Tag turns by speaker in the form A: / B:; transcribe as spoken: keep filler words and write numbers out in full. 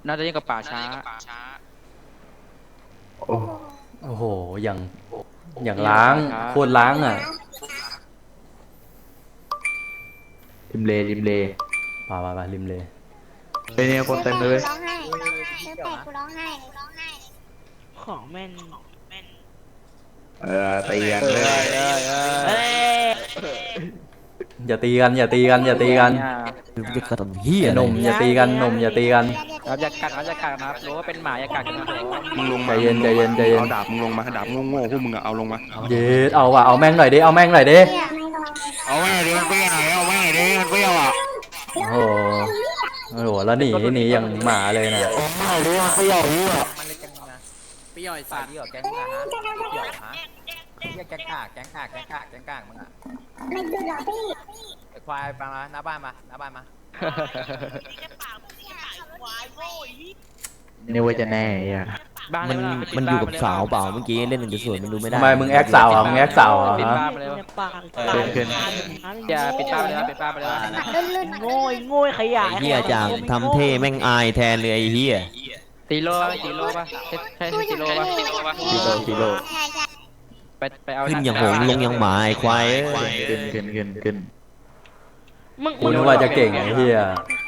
A: น่าจะยิ่งกับป่าช้า
B: โอ้
C: โอ้โหอย่างอย่างล้างโคตรล้างอ่ะ
B: ริมเลริมเล
C: ป่าป่าป่าริมเลย
B: เป็นเนี่ยคนเต็มเลย
D: ร้องไห้ซื้อแปดกูร้องไห้
E: ของแม่น
B: เออตีกันเลย
E: เอ้ย
C: อย่าตีกันอย่าตีกันอย่าตีกัน
F: จะกระทำเฮีย
C: ไอ้หนุ่มอย่าตีกันหนุ่มอย่าตีกัน
A: ครับอย่ากัดครับอย่ากัดนะครับรู้ว่าเป็นหมาอย่ากัดกันนะครับผม
G: มึงลง
C: ใจ
G: มา
C: เย็นใจเย็นใจเย็น
G: เอาดาบมึงลงมาดาบโง่ๆพวกมึงอะเอาลงมา
C: เย็ดเอาว่ะเอาแม่งหน่อยดิเอาแม่งหน่อยดิ
G: เอาไว้ดิมันเปรี้ยวเอาไว้ดิมันเปรี้ยวอ่ะ
C: โอ้โหโอ้โหแล้วหนีหนีอย่างหมาเลยนะ
G: โอ้ยดิมันเปรี้ยวดิอ่ะ
H: มันเลยกันนะเปรี้ยวไอ้สัตว์เปรี้ยวแก๊งมึงอะฮะเปรี้ยวฮะเรียกแก๊งกากแก๊งกากแก๊งกากแก๊งกากมึงอะไอ้ควายมาหน้าบ้านมาหน้าบ้านมา
B: นี่ว่าจะแน่อ่ะ
A: บ้าน
F: มัน
A: เลย
F: มันอยู่กับสาวเปล่าเมื่อกี้เล่นกันจะสวยมันดูไม่ได้
C: ทำไมมึงแอคสาวอ่ะมึงแอคสาวอ่ะ
A: ปิด
C: ฮะ
A: บ้านไปเลย
E: ปาก
B: เกินเกิน
A: อย่าปิดบ้านไปเลยปิดบ้านไปเลย
E: โง่ยโง่ยขยะ
F: ไอ้เฮียจังทำเท่แม่งอายแทนเลยไอ้เฮีย
A: ตีโลตีโลป่ะใช่ใช่ตีโลป่ะ
B: กิโลกิโล
A: ไปไปเอา
F: ขึ้นอย่างหงส์ลงอย่างหมาไอ้ควายเอ้ย
B: ขึ้นขึ้นขึ้นขึ้น
E: มึง
C: กูนึกว่าจะเก่งไอ้เหี้ย